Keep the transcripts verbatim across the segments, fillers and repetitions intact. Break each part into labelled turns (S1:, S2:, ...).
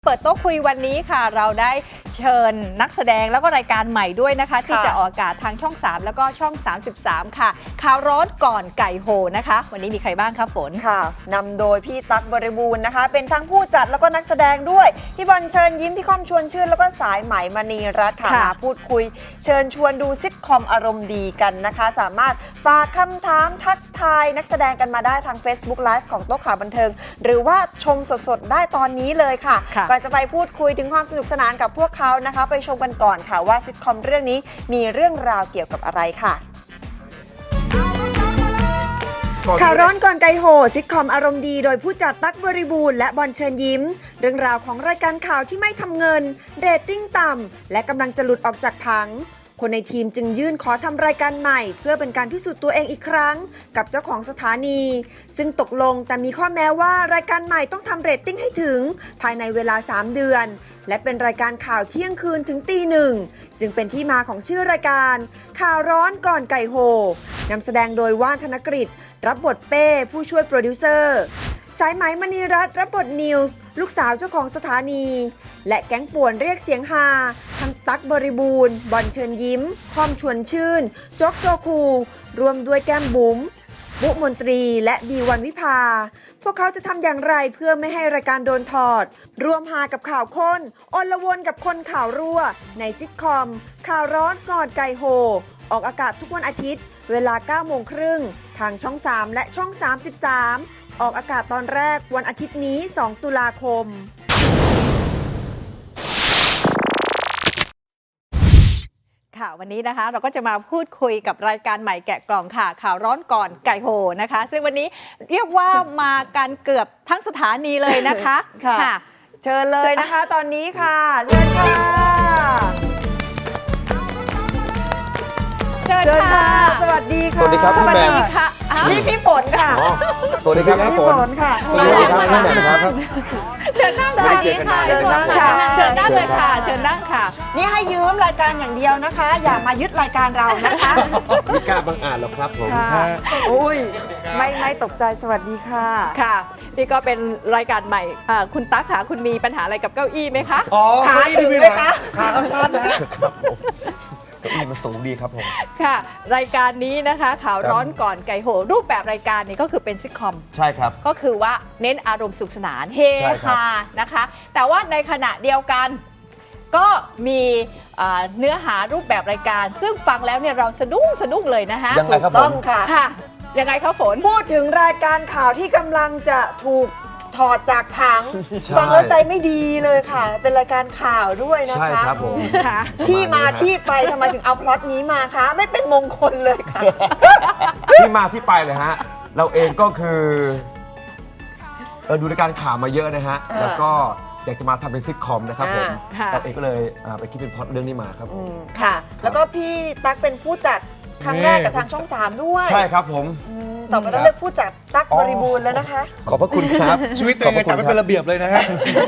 S1: เปิดโต๊ะคุยวันนี้ค่ะเราได้เชิญนักแสดงแล้วก็รายการใหม่ด้วยนะคะที่จะออกอากาศทางช่องสามแล้วก็ช่องสามสิบสามค่ะข่าวร้อนก่อนไก่โหนะคะวันนี้มีใครบ้างคะฝน
S2: ค่ะนำโดยพี่ตั๊กบริบูรณ์นะคะเป็นทั้งผู้จัดแล้วก็นักแสดงด้วยพี่บอลเชิญยิ้มพี่ค่อมชวนชื่นแล้วก็สายไหมมณีรัตน์ค่ะมาพูดคุยเชิญชวนดูซิทคอมอารมณ์ดีกันนะคะสามารถฝากคำถามทักทายนักแสดงกันมาได้ทาง Facebook Live ของโต๊ะข่าวบันเทิงหรือว่าชมสดๆได้ตอนนี้เลยค่ะก่อนจะไปพูดคุยถึงความสนุกสนานกับพวกเขานะคะไปชมกันก่อนค่ะว่าซิทคอมเรื่องนี้มีเรื่องราวเกี่ยวกับอะไรค่ะข่าวร้อนก่อนไกโหซิทคอมอารมณ์ดีโดยผู้จัดตั๊กบริบูรณ์และบอลเชิญยิ้มเรื่องราวของรายการข่าวที่ไม่ทำเงินเรตติ้งต่ำและกำลังจะหลุดออกจากผังคนในทีมจึงยื่นขอทำรายการใหม่เพื่อเป็นการพิสูจน์ตัวเองอีกครั้งกับเจ้าของสถานีซึ่งตกลงแต่มีข้อแม้ว่ารายการใหม่ต้องทำเรตติ้งให้ถึงภายในเวลาสามเดือนและเป็นรายการข่าวเที่ยงคืนถึงตีหนึ่งจึงเป็นที่มาของชื่อรายการข่าวร้อนก่อนไก่โหนำแสดงโดยว่านธนกฤษรับบทเป้ผู้ช่วยโปรดิวเซอร์สายไหมมณีรัตน์รับบทนิวส์ลูกสาวเจ้าของสถานีและแก๊งป่วนเรียกเสียงฮาทั้งตั๊กบริบูรณ์บอลเชิญยิ้มค่อมชวนชื่นโจ๊กโซคูรวมด้วยแก้มบุ๋มบุมนตรีและบีวันวิภาพวกเขาจะทำอย่างไรเพื่อไม่ให้รายการโดนถอดรวมฮากับข่าวค้นอลวนกับคนข่าวรั่วในซิทคอมข่าวร้อนก่อนไก่โหออกอากาศทุกวันอาทิตย์เวลาเก้าโมงครึ่งทางช่องสามและช่องสามสิบสามออกอากาศตอนแรกวันอาทิตย์นี้สองตุลาคม
S1: ค่ะวันนี้นะคะเราก็จะมาพูดคุยกับรายการใหม่แกะกล่องค่ะข่าวร้อนก่อนไก่โหนะคะซึ่งวันนี้เรียกว่ามากันเกือบทั้งสถานีเลยนะคะ
S2: ค่ะเชิญเลยนะคะตอนนี้ค่ะเชิญค่ะ
S1: เชิญค่ะ
S2: สวัสดีค่ะ
S3: สวัสดีครับพี่แหม่ม
S1: ค่ะ
S2: นี่พี่ฝนค่ะ
S3: สวัสดีครับพี่ฝน
S2: ค่ะ
S3: สวัสดีครับพี่แหม่มครับ
S1: เชิญนั่งค่ะเชิญนั่งค่ะเชิญนั่งเลยค่ะเชิญนั่งค่ะ
S2: นี่ให้ยืมรายการอย่างเดียวนะคะอย่ามายึดรายการเรานะคะ
S3: ไม่กล้าบังอาจหรอกครับผม
S2: ค่ะอุ้ยไม่ไม่ตกใจสวัสดีค่ะ
S1: ค่ะนี่ก็เป็นรายการใหม่คุณตั๊กค่ะคุณมีปัญหาอะไรกับเก้าอี้ไหมคะ
S4: อ๋อ
S2: ขาถึงไหมคะ
S4: ขาสั้นนะฮะ
S3: เก้าอี้มันสูงดีครับผม
S1: ค่ะรายการนี้นะคะข่าวร้อนก่อนไก่โหรูปแบบรายการนี้ก็คือเป็นซิทคอม
S3: ใช่ครับ
S1: ก็คือว่าเน้นอารมณ์สุขสนานเฮฮานะคะแต่ว่าในขณะเดียวกันก็มีเนื้อหารูปแบบรายการซึ่งฟังแล้วเนี่ยเราสะดุ้งสะดุ้งเลยนะคะ
S3: ยังไงครับผม
S2: ต้องค่ะ
S1: ค่ะยังไงครับฝน
S2: พูดถึงรายการข่าวที่กำลังจะถูกถอดจากผังฟังแล้วใจไม่ดีเลยค่ะเป็นรายการข่าวด้วยนะคะ
S3: ใช่ครับผม
S2: ที่มาที่ไปทำไมถึงเอาพล็อตนี้มาคะไม่เป็นมงคลเลยค่ะ
S3: ที่มาที่ไปเลยฮะเราเองก็คือเราดูรายการข่าวมาเยอะนะฮะแล้วก็อยากจะมาทำเป็นซิทคอมนะครับผมเราเองก็เลยไปคิดเป็นพล็อตเรื่องนี้มาครับ
S2: ค่ะแล้วก็พี่ตั๊กเป็นผู้จัดครั้งแรกกับทางช่องสามด้วย
S3: ใช่ครับผม
S2: ต่อไปต้องเรียกผู้จัดตั๊กบริบูรณ์แล้วนะคะ
S3: ขอบพระคุณครับ
S4: ชีวิตตัวเองจัดไม่เป็นระเบียบเลยนะฮะ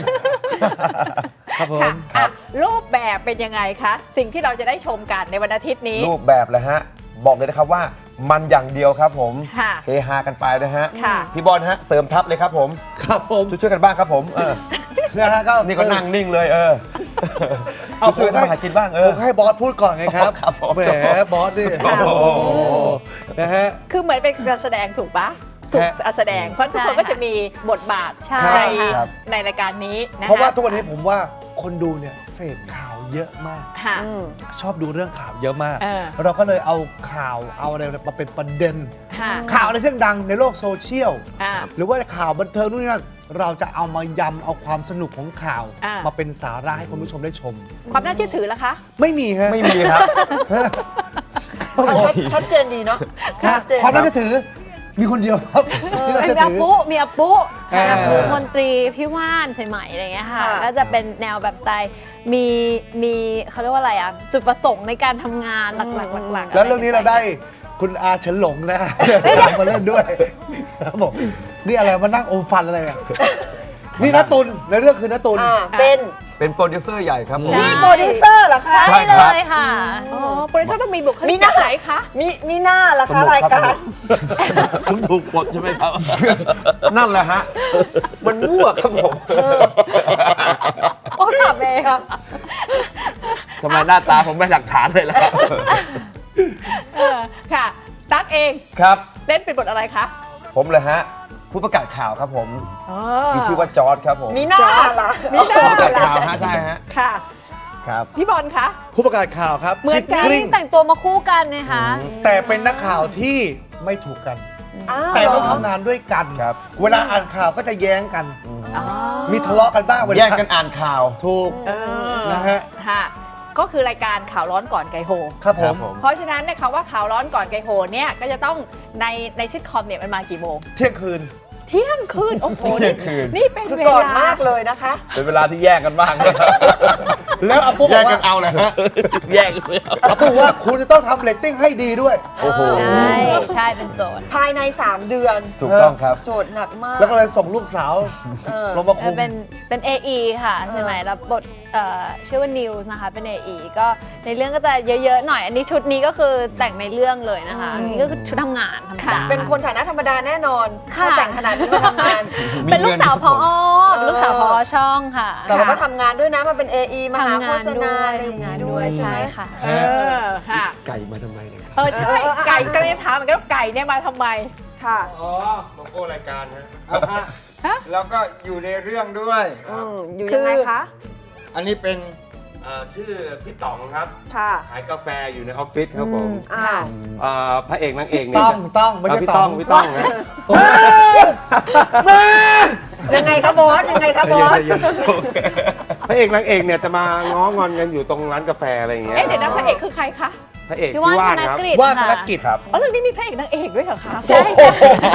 S4: ครับผม
S1: รูปแบบเป็นยังไงคะสิ่งที่เราจะได้ชมกันในวันอาทิตย์นี้
S3: รูปแบบเลยฮะบอกเลยนะครับว่ามันอย่างเดียวครับผมเฮฮากันไปนะฮะพี่บอลฮะเสริมทัพเลยครับผม
S4: ครับผม
S3: ช่วยๆกันบ้างครับผมเออ
S4: เนี่ยฮะก็
S3: นี่ก็นั่งนิ่งเลยเออเอาช่วยกันมาหากินบ้างเออ
S4: ผมให้บอสพูดก่อนไงครับแหมบอสนี่นะฮะ
S1: คือเหมือนเป็นการแสดงถูกปะถูกแสดงเพราะทุกคนก็จะมีบทบาทในในรายการนี้นะ
S4: เพราะว่าทุกวันนี้ผมว่าคนดูเนี่ยเสพข่าวเยอะมากชอบดูเรื่องข่าวเยอะมากเราก็เลยเอาข่าวเอาอะไรมาเป็นประเด็นข่าวอะไรที่ดังในโลกโซเชียลหรือว่าข่าวบันเทิงนู่นนี่นั่นเราจะเอามายำเอาความสนุกของข่าวมาเป็นสาระให้คุณผู้ชมได้ชม
S1: ความน่าเชื่อถือล่ะคะ
S4: ไม่มีฮะ
S3: ไม่มีครับ
S2: ชัดเจนดีเนาะ
S4: ความน่าเชื่อถือมีคนเดียวครับ
S5: มีอาปุมีอาปุอาปุมนตรีพี่ว่านใส่ไหมอะไรเงี้ยค่ะก็จะเป็นแนวแบบสไตล์มีมีเขาเรียกว่าอะไรอ่ะจุดประสงค์ในการทำงานหลักๆหลักๆ
S4: แล้วเรื่องนี้เราได้คุณอาเฉินหลงนะมาเล่นด้วยครับผมนี่อะไรมานั่งอมฟันอะไรอ่ะนี่ณตุลในเรื่องคือณตุล
S2: เป็น
S3: เป็นโปรดิวเซอร์ใหญ่ครับผม
S5: ใช่
S2: นี่โปรดิวเซอร์เหรอคะ
S5: ใช่
S3: ใช่
S5: เล
S3: ครับ
S5: ยค่ะ
S1: อ๋อโปรดิวเซอร์ต้องมีบุคลิ
S2: มี
S1: ก
S2: หน้า
S1: แบบไหนคะ
S2: มีมีหน้าเหรอ
S3: ส
S2: คะ
S3: นุก
S2: ราย
S3: ครับ
S2: การ
S6: ผมถูกปลดใช่ไหมครับ
S3: นั่นแหละฮะ มันมั่วครับผม
S5: โอ้ขับเอง
S6: ทำไมหน้าตาผมไม่หลักฐานเลยล่ะ
S1: เออค่ะ ตั๊กเอง
S3: ครับ
S1: เล่นเป็นบทอะไรคะ
S3: ผมเลยฮะ ผู้ประกาศข่าวครับผม
S1: อ๋อ
S3: มีชื่อว่าจอร์ดครับผม
S2: มีหน้าเหรอ
S1: มีหน้า
S3: ผู้ประกาศข่าวฮะใช่ฮะ
S1: ค่ะ
S3: ครับ
S1: พี่บอลคะ
S4: ผู้ประกาศข่าวครับ
S1: เหมือน
S4: ชิค
S1: กัน
S4: กริ้ง
S5: แต่งตัวมาคู่กันนะคะ
S4: แต่เป็นนักข่าวที่ไม่ถูกกัน
S2: อ้าว
S4: แต่ต้องทำงานด้วยกัน
S3: ครับ
S4: เวลาอ่านข่าวก็จะแย้งกัน
S1: อ๋อ
S4: มีทะเลาะกันบ้างเวลา
S3: แย่งกันอ่านข่าว
S4: ถูก
S1: เออ
S4: นะฮะ
S1: ค่ะ ก็คือรายการข่าวร้อนก่อนไกโฮ
S4: ครับผม
S1: เพราะฉะนั้นเนี่ยคำว่าข่าวร้อนก่อนไกโฮเนี่ยก็จะต้องในในซิทคอมเนี่ยมันมากี่โมง
S4: เที่ยงคืน
S1: เที่ยงคืน โอ้โห
S3: เที่ยงคืน
S1: นี่เป็น
S2: คือ
S1: เว
S2: ก่อน
S1: ลาม
S2: ากเลยนะคะ
S6: เป็นเวลาที่แยกกันบ้าง
S4: แล้วอาปุ๊บ
S3: แย่
S4: บอก
S3: งกั
S4: ว่าน
S3: เอาเลยฮะ
S6: แยกกันเลย
S4: อาปุ๊บว่าคุณจะต้องทำเรตติ้งให้ดีด้วย
S3: โอ้โห
S5: ใช่ใช่เป็นโจทย์
S2: ภายใน สาม เดือน
S3: ถูกต้องครับ
S2: โจทย์หนักมาก
S4: แล้วก็เลยส่งลูกสาว
S2: เออ
S4: ลงมา
S5: เอ
S4: คุ
S5: อ
S4: ม
S5: เป็นเป็น เอ อี ค่ะใช่ไหมรับบทเอ่อชื่อว่านิวส์นะคะเป็น เอ อี ก็ในเรื่องก็จะเยอะๆหน่อย อันนี้ชุดนี้ก็คือแต่งในเรื่องเลยนะคะอันนี้ก็คือชุดทำงานธรรมดา
S2: เป็นคนฐานะธรรมดาแน่นอน
S5: ค่ะ
S2: ถ้าแต่งขนาดนี้มาทำงาน
S3: มี
S5: เป็นลูกสาวพอ
S2: เงิน
S5: เป็นลูกสาวพอช่องค่ะ
S2: แต่เราก็ทำงานด้วยนะมาเป็น เอ อี มาหา
S5: ทำ
S2: โฆ
S5: งาน
S2: ษ
S5: ด้
S2: ณา
S5: วย
S2: อะไรอย่าง
S5: ทำงา
S2: งี้
S5: น
S2: ด้
S5: ด้
S2: ว
S5: วย ย
S2: ใช่
S5: ใช่
S2: ไหม
S5: ค่ะ
S1: เออค่ะ
S3: ไก่มาทำไมเนี่ยครับ
S1: เออใช่ไก่ก็เลยถามเหมือนกันว่าไก่เนี่ยมาทำไม
S2: ค่ะ
S7: อ๋อโลโก้รายการฮะ
S1: ฮะ
S7: แล้วก็อยู่ในเรื่องด้วยค
S2: อื
S7: รับ
S2: มอยู่ยังไงคะ
S7: อันนี้เป็นเอ่อชื่อพี่ต๋องครับ
S2: ค่ะ
S7: ขายกาแฟอยู่ในออฟฟิศครับผม
S2: อ่า
S7: เอ่อพระเอกนางเอกเนี่ย
S4: ต้องต้องไม่
S7: เอ่อ
S4: ใช่
S7: พี่
S4: ต้
S7: ต้
S4: อ
S7: อง งพี่ต้องนะ
S2: ยังไงคะบอส ยังไงคะบอส
S7: พระเอกนางเอกเนี่ยจะมาง้องอนกันอยู่ตรงร้านกาแฟอะไรอย่างเงี้ย
S1: เอ๊ะเดี๋ยวนะพระเอกคือใครคะ
S7: พระเอก
S5: พี่
S7: พี่
S5: ว่าน
S7: ว่าน
S5: ธน
S7: ครับ
S5: กฤษ
S4: ว่าธน
S5: ค่ะ
S4: กิจครับ
S1: อ๋อเรื่องนี้มีพระเอกนางเอกด้วยเหรอคะ
S5: ใช่ใช่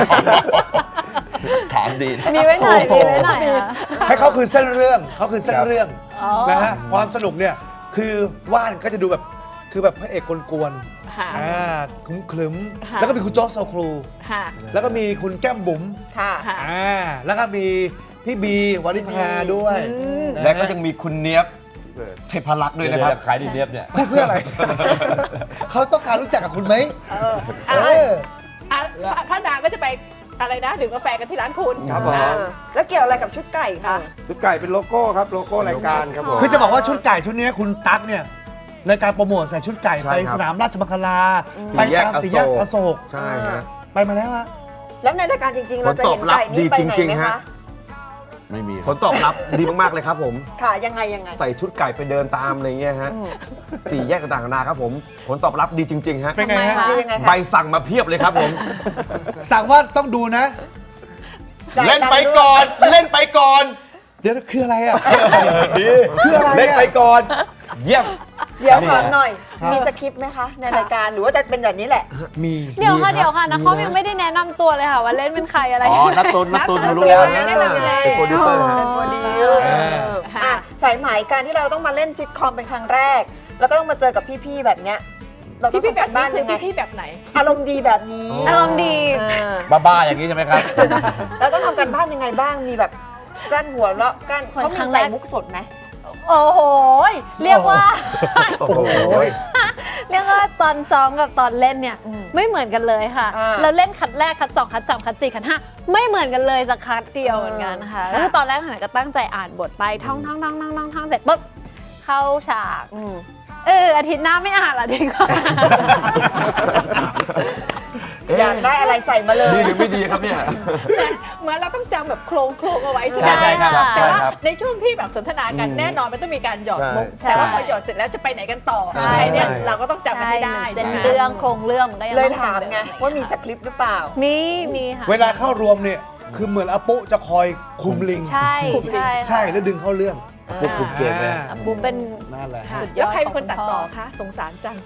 S6: ถามดีนะ
S5: มีไว้หน่อยมีไว้หน่อยค่ะ
S4: ให้เขาคือเส้นเรื่องเขาคือเส้นเรื่อง
S5: อ๋อ
S4: นะฮะความสนุกเนี่ยคือว่านก็จะดูแบบคือแบบพระเอกกวน
S1: ค่ะ
S4: ๆอ่าคลึมคลึมๆ
S1: ค่ะ
S4: แล้วก็มีคุณโจ๊กโซครู
S1: ค่ะ
S4: แล้วก็มีคุณแก้มบุ๋ม
S2: ค่ะ
S1: ค่ะ
S4: อ่าแล้วก็มีพี่บีวริภาด้วย
S1: อืม
S3: และก็ยังมีคุณเนียบเทพรักษ์ด้วยนะครับ
S6: ขายดีเนียบเนี่ย
S4: พูดเพื่ออะไร เขาต้องการรู้จักกับคุณไหม
S1: เออ
S4: เอ
S1: อ่ะ
S4: อ
S1: อ่ะพระนางก็จะไปอะไรนะดื่มกาแฟกันที่ร้านคุณ
S7: ครับผม
S1: อ่ะ
S2: แล้วเกี่ยวอะไรกับชุดไก่คะ
S7: ชุดไก่เป็นโลโก้ครับโลโก้รายการครับผม
S4: คือจะบอกว่าชุดไก่ชุดนี้คุณตั๊กเนี่ยในการโปรโมทใส่ชุดไก่
S3: ใช่
S4: ไป
S3: ครับ
S4: สนามราชมังคลา
S3: สี่
S4: ไป
S3: แยก
S4: ตาม
S3: อโศก
S4: สี่แยกอโศก
S3: ใช่ฮะ
S4: ไปมาแล้วฮะ
S2: แล้วในรายการจริงๆ เราจะเห็น
S3: ผลตอบรับ
S2: ไก่นี่ไปไหน
S3: ดีจริง
S2: ไหม
S3: ๆฮะ
S2: คะ
S6: ไม่มี
S3: ผลตอบรับดีมากๆเลยครับผม
S2: ค่ะ ยังไงยังไง
S3: ใส่ชุดไก่ไปเดินตามอะไรเงี้ยฮะสี่แยกต่างๆนานาครับผม ผลตอบรับดีจริงๆฮะ
S4: เป็นไงฮะ
S5: ทำไมคะ
S2: ดียังไง
S3: ใบ
S2: คะ
S3: สั่งมาเพียบเลยครับผม
S4: สั่งว่าต้องดูนะ
S2: จ่าย
S3: เล่น
S2: ตังค์
S3: ไป
S2: ด้วย
S3: ก่อน เล่นไปก่อน
S4: เดี๋ยวคืออะไรอ่ะ คืออะไร
S3: เล่น
S4: อ่ะ
S3: ไปก่อน เยี่ยม
S2: เดี๋ยวถามหน่อย
S4: ครับ
S2: มีสคริปต์ไหมคะ ในรายการหรือว่าจะเป็นแบบนี้แหละ
S4: มี
S5: เดี๋ยวค่ะ
S3: มีครับ
S5: เดี๋ยวค่ะนะ
S3: มี
S5: เขา
S3: นะ
S5: ยังไม่ได้แนะนำตัวเลยค่ะว่าเล่นเป็นใครอะไร
S6: อ๋อ นัดตุนนัดตุนรู้แล้ว
S2: แนะนำยังไง
S3: เป็นโปรดิวเซอร์ฮะ
S2: เป็นโปรดิวเอออ่ะสายไหมการที่เราต้องมาเล่นซิทคอมเป็นครั้งแรก แล้วก็ต้องมาเจอกับพี่ๆแบบเนี้ย เราต้อง
S1: พี่พี่
S2: ทำ
S1: แบ
S2: กับ น
S1: นี้
S2: บ้าน
S1: คือ
S2: ยังไง
S1: พี่พี่แบบไหน
S2: อารมณ์ดีแบบนี้
S5: อารมณ์ดี
S2: เออ
S6: บ้าๆอย่างนี้ใช่ไหมครับ
S2: แล้วต้องทำกันบ้านยังไงบ้าง มีแบบกั้นหัวแล้วกั้น
S5: เหมือน
S2: เขามี
S5: ครั้งแร
S2: ใส่
S5: ก
S2: มุกสดไหม
S5: โอ้โหเรียกว่า
S3: โอ้โห
S5: เรียกว่าตอนซ้อมกับตอนเล่นเนี่ย
S2: อืม
S5: ไม่เหมือนกันเลยค่ะ
S2: อ่า
S5: เราเล่นคัดแรกคัดสองคัดสามคัดสี่คัดห้าไม่เหมือนกันเลยสักคัดเดียวเหมือนกันนะคะ
S2: เออ
S5: แล้วคือตอนแรกขนาดก็ตั้งใจอ่านบทไปท่องท่องท่องท่องท่องท่องเสร็จปุ๊บเข้าฉาก
S2: อืม
S5: เอออาทิตย์หน้าไม่อ่านละดีกว่า
S2: อยากได้อะไรใส่มาเลย
S3: ดีหรือไม่ดีครับเนี่ย
S1: เหมือนเราต้องจำแบบโครงโครงเอาไว้ใช่ไหม
S5: ใช่ค่ะ
S1: แต่ว่า
S3: ใช่ครับ
S1: ในช่วงที่แบบสนทนากัน
S3: อืม
S1: แน่นอนมันต้องมีการหยอดมุก
S5: ใช่
S1: แต่ว่าพอหยอดเสร็จแล้วจะไปไหนกันต่อ
S3: ใช่
S1: ใช่เนี่ย
S3: ใช่
S1: เราก็ต้องจำกัน
S5: ใช่
S1: ให้ได้
S5: เส้น
S1: ใช่ไหม
S5: เรื่องโครงเรื่องมันก็ยัง
S2: เลย
S5: ต้อง
S2: ถาม
S5: เส้น
S2: ไง
S5: เรื่อง
S2: ว่ามีสคริปต์หรือเปล่า
S5: มีมีค่ะ
S4: เวลาเข้ารวมเนี่ย คือเหมือนอาปุจะคอยคุมลิง
S5: ใช่ใช่
S4: ใช่แล้วดึงเข้าเรื่อง
S3: พวกคุมเกมเลย
S4: อ่า
S5: บุ๊เป็น
S4: นั่นแหละ
S1: ค่ะ
S5: สุดยอด
S1: แล้วใครเป็นคน
S5: ของคุณ
S1: ตัดต่อ
S5: พ่อ
S1: คะสงสารจัง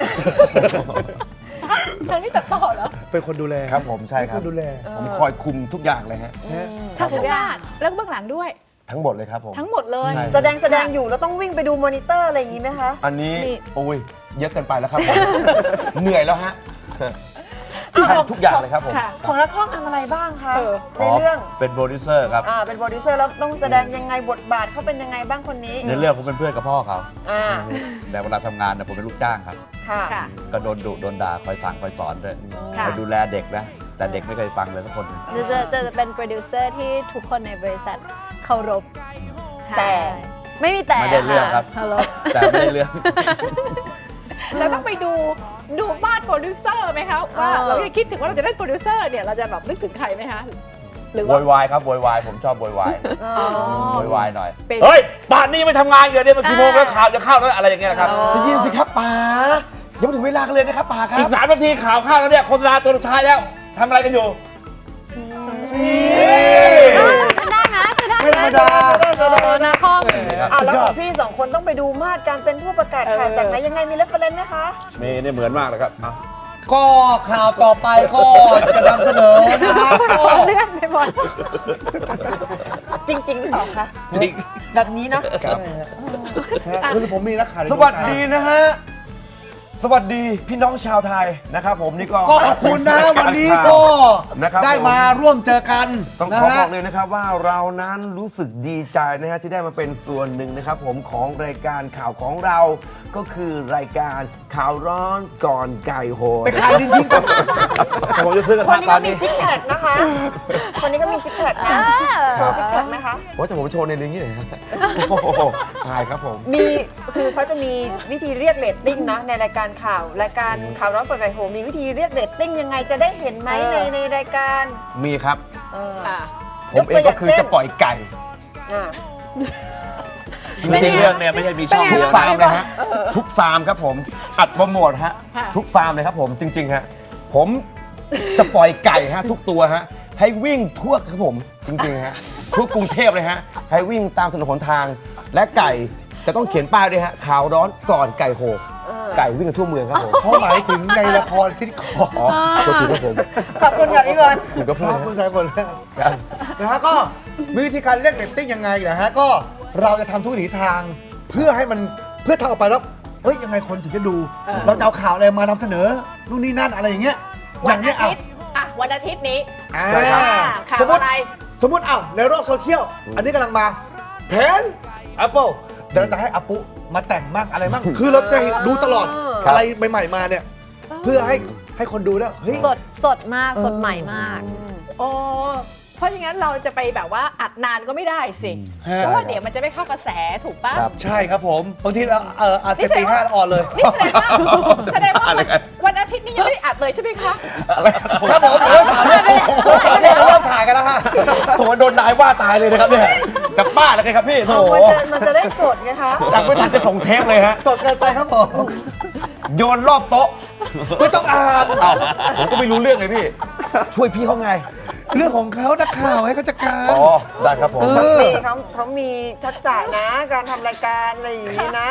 S1: ทางนี้ตัดต่อเหรอ
S4: เป็นคนดูแล
S3: ครับผมใช่ค
S4: ครับ นดูแล
S3: ผมคอยคุมทุกอย่างเลยฮะ
S4: นะ
S1: ทั้งข้างหน้าแล้วก็เบื้องหลังด้วย
S3: ทั้งหมดเลยครับผม
S1: ทั้งหมดเลย
S3: ใช่
S2: แสดงแสดงอยู่แล้วต้องวิ่งไปดูมอนิเตอร์อะไรอย่างนี้ไหมคะ
S3: อันนี้
S5: นี่
S3: โอ้ยเยอะเกินไปแล้วครับ เหนื่อยแล้วฮะ
S2: อ่ะ
S3: ทำทุกอย่างเลยครับผม
S1: ค่ะ
S2: ของนักข้องทำอะไรบ้างคะ
S1: เออ
S2: ในเรื่อง
S6: เป็นโปรดิวเซอร์ครับ
S2: อ่าเป็นโปรดิวเซอร์แล้วต้องแสดงยังไงบทบาทเขาเป็นยังไงบ้างคนนี้
S6: ในเรื่องผมเป็นเพื่อนกับพ่อเขา
S2: อ่า
S6: แต่เวลาทำงานเนี่ยผมเป็นลูกจ้างครับ
S2: ค่ะ
S1: ค่ะ
S6: ก็โดนดุโดนด่าคอยสั่งคอยสอนด้วย
S1: ค่ะ
S6: คอยดูแลเด็กนะ แต่เด็กไม่เคยฟังเลยสักคนหนึ่ง
S5: จะจะจะเป็นโปรดิวเซอร์ที่ทุกคนในบริษัทเคารพ
S2: แต่
S5: ไม่มีแต่
S6: ไม่ได้เรื่องครับ
S5: เคารพ
S6: แต่ไม่ได้เรื่อง
S1: แล้วต้องไปดูดูบ้านโปรดิวเซอร์ไหมคะว่า
S2: เออ
S1: เราจะคิดถึงว่าเราจะได้โปรดิวเซอร์เนี่ยเราจะแบบนึกถึงใครไหมคะหรือ
S6: โว
S1: ว่า
S6: ยวายครับโวยวายผมชอบโวยวาย
S2: อ๋อ
S6: โวยวายหน่อย
S1: เป็น
S6: เฮ้ยป่านนี้ไม่ทำงานอยู่เนี่ยมันกี่โมงแล้วข่าวจะเข้าแล้วอะไรอย่างเงี้ยนะครับ
S1: อ๋อ
S3: จะยินสิครับป๋ายังไม่ถึงเวลากันเลยนะครับป๋าครั
S6: อี
S3: บ
S6: กสามนาทีข่าวเข้าแล้วเนี่ยโฆษณาตัวสุดท้ายแล้วทำอะไรกันอยู่
S5: ได้นะจะได้
S4: ไม่ธรรมดา
S5: โอ้นาคอม
S2: อ่า
S4: สุด
S2: แล้ว
S4: ย
S2: ข
S4: อ
S2: อ
S4: ด
S2: งพี่สองคนต้องไปดูมาดการเป็นผู้ประกาศข่าว
S1: เออ
S2: จากไหนยังไงมีเรฟเฟรนซ์ไหมคะ
S6: มีเนี่ยเหมือนมากเลยครับอ่ะ
S4: ก็ข่าวต่อไปก็จะนำเสนอนะฮะก็
S1: เลื่อนไปหมด
S2: จริงๆหรือเปล่าคะ
S6: จริง
S2: แบบนี้เนาะ
S4: คือผมมีนักข่าวใน
S3: สวัสดีนะฮะ สวัสดีพี่น้องชาวไทยนะครับผมนี่ก็
S4: ก็ขอบคุณนะวันนี้ก็
S3: นะครับ
S4: ได้มาร่วมเจอกัน
S3: ต้อง
S4: นะ
S3: ขอ
S4: ฮะ
S3: บอกเลยนะครับว่าเรานั้นรู้สึกดีใจนะฮะที่ได้มาเป็นส่วนหนึ่งนะครับผมของรายการข่าวของเราก็คือรายการข่าวร้อนก่อนไก่โหน
S4: ไปขายลิ้นทิ้งก่อน
S6: ผมจะซื้อกระ
S2: คน
S6: ทะ
S2: นี้
S6: ตอ
S2: ก็
S6: น
S2: มี
S6: นี้
S2: ซิกแพคนะคะ คนนี้ก็มีซิกแพคนะโชว์ซิกแพคไหมคะ
S3: ว่าจะผมโชว์ในนี้หน่อยครับโอ้โหใช่ครับผม
S2: มีคือเขาจะมีวิธีเรียกเรตติ้งนะในรายการข่าวรายการข่าวร้อนเปิดไก่โหมีวิธีเรียกเรตติ้งยังไงจะได้เห็นไหม
S1: เอ
S2: ใน
S1: อ
S2: ในรายการ
S3: มีครับ
S2: เออ
S1: อ่ะ
S3: ผมเองก็คือจะปล่อยไก่
S2: อ่า
S6: ไม่ใช่เรื่องเนี่ยไม่ใช่มีช่อง
S3: ทุ
S6: เดี
S3: ก
S6: ยว
S3: ฟาร์ม
S6: นะ
S3: เลยฮะทุกฟาร์มครับผมอัดโปรโมทฮะ
S1: ค่ะ
S3: ทุกฟาร์มเลยครับผมจริงๆฮะผมจะปล่อยไก่ฮะทุกตัวฮะให้วิ่งทั่วครับผมจริงๆฮะทั่วกรุงเทพเลยฮะให้วิ่งตามถนนหนทาง และไก่จะต้องเขียนป้ายด้วยฮะข่าวร้อนก่อนไก่โห
S2: เออ
S3: ไก่วิ่งกันทั่วเมืองครับผม
S4: เขาหมายถึงในละครซิทคอม
S3: อ๋อโทษทีครับผม
S2: ขอบคุณค่ะพี่บอล
S3: คุณก็พูด
S4: ครับ
S3: นะ
S4: คุณสายฝนนะฮะก็มีวิธีการเรียกเรตติ้งยังไงนะฮะก็เราจะทำทุกวิถีทางเพื่อให้มันเพื่อทำออกไปแล้วเฮ้ยยังไงคนถึงจะดู
S1: เออ
S4: เราจะเอาข่าวอะไรมานำเสนอนู่นนี่นั่นอะไรอย่างเงี้ยอ
S1: วัน
S4: ย่างเนี้
S1: อาย
S4: อ่ะ
S1: ทิตย์อ่ะวันอาทิตย์นี้
S4: อ่า
S3: ใช่ครับ
S1: อ่าข่า
S4: ส
S1: ว
S4: มมติ
S1: อะไร
S4: สมมติอ้าวในโลกโซเชียลอันนี้กำลังมาเพน Apple เดี๋ยวเราจะให้อาปุมาแต่งมั่งอะไรมั่งคือเราจะเห็นดูตลอด
S2: ครับ
S4: อะไรใหม่ๆมาเนี่ย เพื่อให้ให้คนดูเนี่ยเฮ้ย
S5: สดสดมากสดใหม่มาก
S1: โอ้เพราะอย่างนั้นเราจะไปแบบว่าอัดนานก็ไม่ได้สิ
S4: ฮะ
S1: เพราะว่าเดี๋ยวมันจะไม่เข้ากระแสถูกปะ
S3: ครับ
S4: ใช่ครับผมบางทีเราเอออาจจะตีห้าแล้วอ่อนเลย
S1: นี่แสดงว่าแสดงว่าวันวันอาทิตย์นี้ยังไม่ได้อัดเลยใช่ไหมคะ
S4: ครับผมเออสามเนี่ยเออสามเนี่ยเราเริ่มถ่ายกันแล้วฮะ
S3: โถโดนนายว่าตายเลยนะครับเนี่ยกับบ้าแล้วไงครับพี่โถ
S2: มันจะมันจะได้สดไงคะ
S3: จากไม่ทันจะส่งเทปเลยฮะ
S4: สดเกินไปครับผม
S3: โยนรอบโต๊ะ
S4: ไม่ต้องอ่าน
S3: เอ้าผมก็ไม่รู้เรื่องเลยพี่ ช่วยพี่เขาไง
S4: เรื่องของเขานักข่าวให้เขาจัดการ
S3: อ๋อ ได้ครับผม
S4: เออ
S2: เขาเขามีทักษะนะ การทำรายการอะไรอย่างนี้นะ